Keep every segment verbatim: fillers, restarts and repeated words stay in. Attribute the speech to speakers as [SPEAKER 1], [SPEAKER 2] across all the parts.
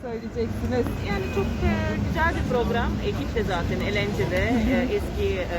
[SPEAKER 1] söyleyeceksiniz?
[SPEAKER 2] Yani çok e, güzel bir program. Ekip de zaten eğlenceli. E, eski e,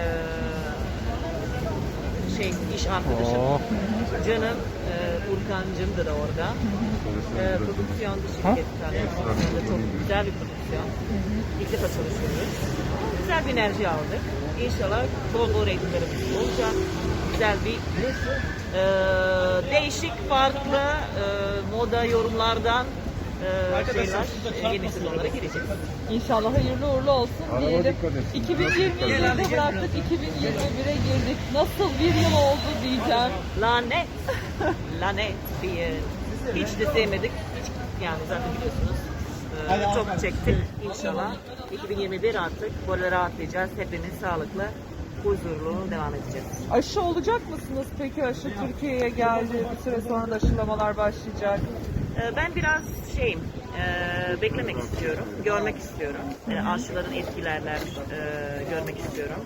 [SPEAKER 2] şey iş arkadaşım.
[SPEAKER 3] Oh.
[SPEAKER 2] Canım e, Urkancım da orada. E, prodüksiyon şirketi tanıyorsunuz. Çok güzel bir prodüksiyon. İlk defa çalışıyoruz. Güzel bir enerji aldık. İnşallah bol bol reytinglerimiz olacak. Güzel bir e, değişik, farklı e, moda yorumlardan e, şeyler, e, yeni sezonlara gireceğiz.
[SPEAKER 1] İnşallah hayırlı uğurlu olsun diyelim. iki bin yirmi yılında bıraktık, iki bin yirmi bire girdik. Nasıl bir yıl oldu diyeceğim.
[SPEAKER 2] Lanet, lanet bir yıl. Hiç de sevmedik. Hiç, yani zaten biliyorsunuz. e, çok çektik. İnşallah iki bin yirmi bir artık böyle rahatlayacağız. Hepimiz sağlıklı, huzurlu devam edeceğiz.
[SPEAKER 1] Aşı olacak mısınız peki? Aşı Türkiye'ye geldi. Bir süre sonra da aşılamalar başlayacak.
[SPEAKER 2] Ee, Ben biraz şeyim, e, beklemek istiyorum, görmek istiyorum. E, aşıların etkilerler e, görmek istiyorum.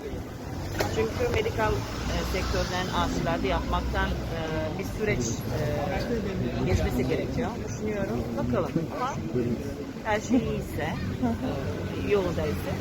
[SPEAKER 2] Çünkü medikal e, sektörden aşılarda yapmaktan e, bir süreç e, geçmesi gerekiyor. Düşünüyorum, bakalım. Ama her şey iyiyse, e, yolundaysa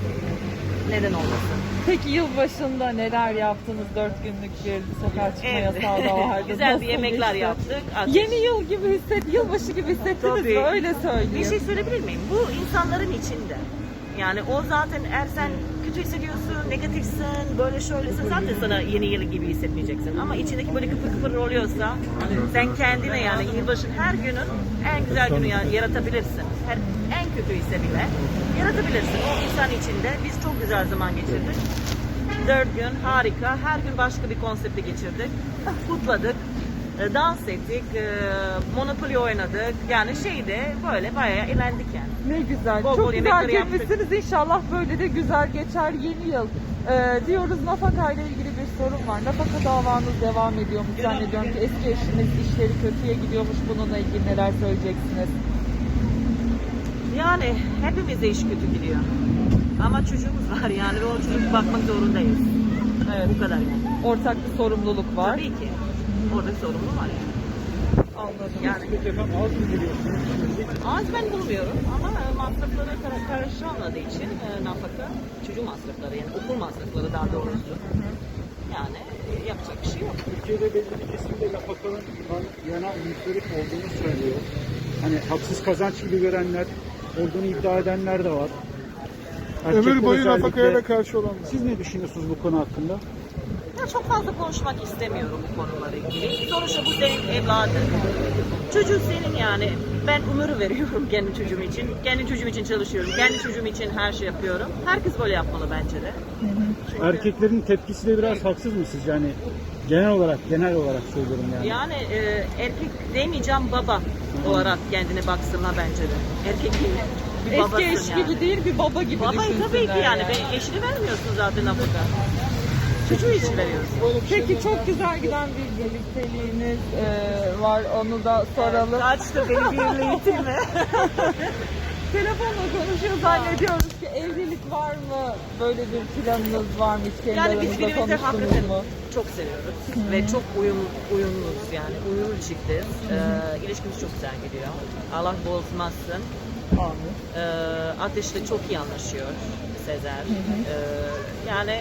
[SPEAKER 2] neden olmasın?
[SPEAKER 1] Peki yılbaşında neler yaptınız? Dört günlük bir sokağa çıkma
[SPEAKER 2] Evet.
[SPEAKER 1] yasağı da vardı.
[SPEAKER 2] Güzel
[SPEAKER 1] Nasıl
[SPEAKER 2] bir yemekler
[SPEAKER 1] geçti?
[SPEAKER 2] yaptık. Ateş-
[SPEAKER 1] Yeni yıl gibi hisset, yılbaşı gibi hissettiniz
[SPEAKER 2] Tabii.
[SPEAKER 1] mi? Öyle söyleyeyim.
[SPEAKER 2] Bir şey söyleyebilir miyim? Bu insanların içinde. Yani o zaten eğer sen kötü hissediyorsun, negatifsin, böyle şöylesin zaten sana yeni yıl gibi hissetmeyeceksin. Ama içindeki böyle kıpır kıpır oluyorsa sen kendine yani yılbaşın her günün en güzel günü yani yaratabilirsin. Her, en kötü ise bile yaratabilirsin. O insan içinde biz çok güzel zaman geçirdik. Dört gün harika. Her gün başka bir konsepte geçirdik. Kutladık. e, Dans ettik. e, Monopoly oynadık. Yani şeyde böyle bayağı eğlendik yani.
[SPEAKER 1] Ne güzel.
[SPEAKER 2] Bol
[SPEAKER 1] Çok
[SPEAKER 2] bol
[SPEAKER 1] güzel
[SPEAKER 2] yemekleri yaptık.
[SPEAKER 1] girmişsiniz. İnşallah böyle de güzel geçer yeni yıl. Ee, diyoruz nafaka ile ilgili bir sorun var. Nafaka davanız devam ediyormuş. Zannediyorum ki eski eşiniz işleri kötüye gidiyormuş. Bununla ilgili neler söyleyeceksiniz?
[SPEAKER 2] Yani hepimize iş kötü gidiyor. Ama çocuğumuz var yani ve o çocuk bakmak zorundayız.
[SPEAKER 1] Evet.
[SPEAKER 2] Bu kadar yani.
[SPEAKER 1] Ortak bir sorumluluk var.
[SPEAKER 2] Tabii ki. Orada sorumlu var yani.
[SPEAKER 1] Anladım.
[SPEAKER 2] Yani az ben bulmuyorum ama e, masrafları kar- karışamadığı için e, nafaka, çocuk masrafları yani okul masrafları daha doğrusu. Yani e, yapacak bir şey yok.
[SPEAKER 3] Türkiye'de belli bir kesimde nafakanın yana müstarip olduğunu söylüyor. Hani haksız kazanç gibi görenler, olduğunu iddia edenler de var. Erkekler
[SPEAKER 4] Ömür boyu
[SPEAKER 3] özellikle-
[SPEAKER 4] nafakaya da karşı olanlar.
[SPEAKER 3] Siz ne düşünüyorsunuz bu konu hakkında?
[SPEAKER 2] Ya çok fazla konuşmak istemiyorum bu konulara ilgili. Sonuçta bu senin evladın. Çocuk senin yani. Ben ömür veriyorum kendi çocuğum için. Kendi çocuğum için çalışıyorum. Kendi çocuğum için her şey yapıyorum. Herkes böyle yapmalı bence de. Çünkü
[SPEAKER 3] Erkeklerin tepkisi de biraz haksız mı sizce? Yani genel olarak, genel olarak söylüyorum yani.
[SPEAKER 2] yani e, erkek demeyeceğim baba olarak kendine baksınlar bence de. Erkek değil. Bir babasın
[SPEAKER 1] Eski eş
[SPEAKER 2] yani.
[SPEAKER 1] gibi değil bir baba gibi
[SPEAKER 2] Babayı
[SPEAKER 1] düşünsünler
[SPEAKER 2] tabii ki yani. Ben eşini vermiyorsun zaten nafaka. Çocuğu için veriyorsun.
[SPEAKER 1] Peki çok güzel giden bir birlikteliğiniz e, var. Onu da soralım.
[SPEAKER 2] Kaçtı beni birliği mi?
[SPEAKER 1] Telefonla konuşuyor zannediyoruz ki evlilik var mı? Böyle bir planınız var mı? Hiç kendi
[SPEAKER 2] Yani biz
[SPEAKER 1] aranızda
[SPEAKER 2] birbirimizi
[SPEAKER 1] konuştunuz
[SPEAKER 2] hakikaten
[SPEAKER 1] mu?
[SPEAKER 2] çok seviyoruz ve çok uyum, uyumluyuz yani uyumlu çiftiz. Ee, ilişkimiz çok güzel gidiyor. Allah bozmasın.
[SPEAKER 1] Amin.
[SPEAKER 2] Ee, Ateş'le çok iyi anlaşıyor Sezer. Ee, yani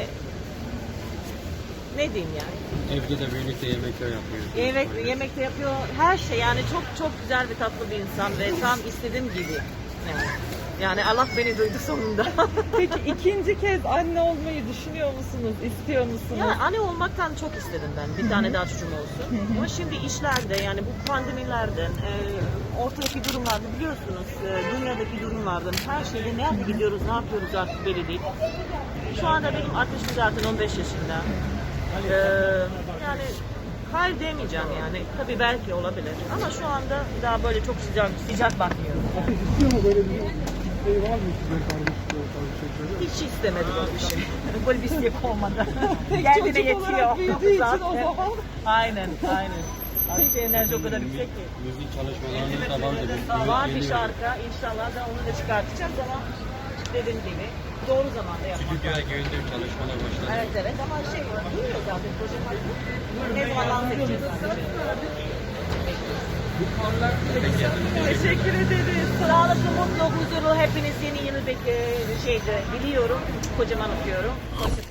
[SPEAKER 2] ne diyeyim yani?
[SPEAKER 5] Evde de birlikte yemekler yapıyoruz.
[SPEAKER 2] Yemek yemekte yapıyor her şey yani çok çok güzel ve tatlı bir insan ve tam istediğim gibi. Yani, yani Allah beni duydu sonunda.
[SPEAKER 1] Peki ikinci kez anne olmayı düşünüyor musunuz? İstiyor musunuz?
[SPEAKER 2] Ya anne olmaktan çok istedim ben. Bir tane daha çocuğum olsun. Ama şimdi işlerde yani bu pandemilerden, e, ortadaki durumlarda biliyorsunuz e, dünyadaki durumlardan her şeyde nerede gidiyoruz, ne yapıyoruz artık belli değil. Şu anda benim ateşim zaten on beş yaşında. E, yani hayır demeyeceğim yani. Tabii belki olabilir. Ama şu anda daha böyle çok sıcak sıcak bakmıyorum.
[SPEAKER 4] Ateş istiyor mu böyle bir şey var mı sizin kardeşliği tarzı şeyleri?
[SPEAKER 2] Hiç istemedim öyle bir şey. Böyle bir şey olmadı.
[SPEAKER 1] Tek
[SPEAKER 2] Kendine
[SPEAKER 1] çocuk olarak
[SPEAKER 2] yetiyor.
[SPEAKER 1] büyüdüğü için o
[SPEAKER 2] Zaten.
[SPEAKER 1] zaman.
[SPEAKER 2] Aynen, aynen. Artık enerji o kadar yüksek ki.
[SPEAKER 5] Müzik çalışmalarımız da vardı. Biz
[SPEAKER 2] Var bir
[SPEAKER 5] geliyoruz.
[SPEAKER 2] şarkı. İnşallah da onu da çıkartacağız ama dediğim gibi doğru zamanda yapmak
[SPEAKER 5] Stüdyoya
[SPEAKER 2] lazım.
[SPEAKER 5] girdim, çalışmalar başladı.
[SPEAKER 2] Evet evet ama şey bilmiyor zaten proje hakkı. Ne zaman dans edeceğiz sadece. Bekliyoruz.
[SPEAKER 1] Teşekkür ederiz.
[SPEAKER 2] Sağlıklı, mutlu, huzurlu hepiniz yeni yılı bek- e, şeyde biliyorum. Kocaman öpüyorum. Hoşça